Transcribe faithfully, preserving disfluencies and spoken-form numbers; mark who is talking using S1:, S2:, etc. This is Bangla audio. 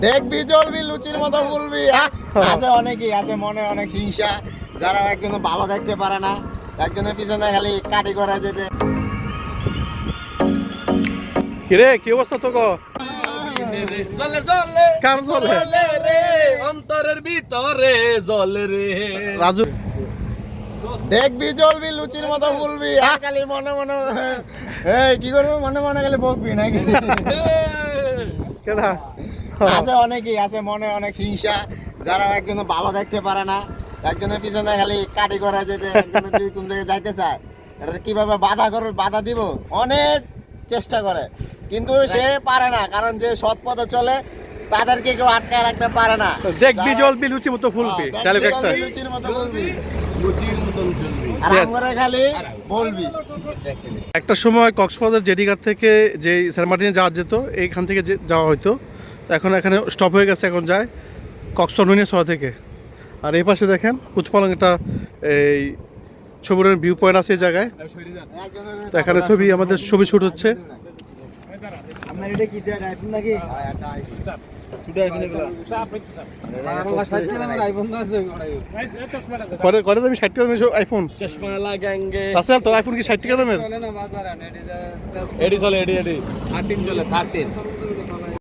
S1: দেখবি চলবি লুচির মতো বলবি। আছে অনেকেই আছে মনে অনেক হিংসা, যারা একজন ভালো দেখতে পারে না, একজনের পিছনে খালি কাটি করা যেতে।
S2: কিরে কি অবস্থা তো গো?
S3: জলে জলে
S2: কার জলে
S3: রে অন্তরের ভিতরে জলে রে
S2: রাজু
S1: দেখবি চলবি লুচির মতো বলবি, আর খালি মনে মনে এই কি করবো মনে মনে খালি বকবি নাকি।
S2: কেডা?
S1: আছে অনেকেই আছে মনে অনেক হিংসা, যারা একজন ভালো দেখতে পারে না, একজনের পিছনে খালি কাটি করা যেতে, একজনের যদি কোন দিকে যাইতে চায় এটা কিভাবে বাধা করে বাধা দিব অনেক চেষ্টা করে, কিন্তু সে পারে না, কারণ যে সৎ পথে চলে তাদেরকে কেউ আটকায় রাখতে পারে না।
S2: দেখবি জলবি লুচি মতো ফুলবি,
S1: হ্যাঁ,
S2: ডায়লগ
S1: দেখবি
S2: একটা।
S1: চলবি, লুচির মতো বলবি
S3: লুচির মতন চলবি।
S1: আর
S2: Yes.
S1: আমরা খালি বলবি।
S2: একটা সময় কক্সবাজার জেডিঘাট থেকে যে সেন্ট মার্টিনে যাওয়া যেত, এইখান থেকে যে যাওয়া হতো, তো এখন এখানে স্টপ হয়ে গেছে, এখন যায় কক্সবাজার সরা থেকে। আর এই পাশে দেখেন কুতপালং একটা এই ছবির ভিউ পয়েন্ট আছে এই জায়গায়, তো এখানে ছবি আমাদের ছবি শুট হচ্ছে।
S1: আপনার এটা কি স্যার আইফোন নাকি? শুধু আইফোন এগুলো
S2: করে করে যাবি ষাট টাকা দামের আইফোন
S3: চশমা লাগাঙ্গে
S2: আসলে তোর আইফোন কি ষাট টাকা দামের?
S3: এডি চলে এডি এডি থার্টিন চলে থার্টিন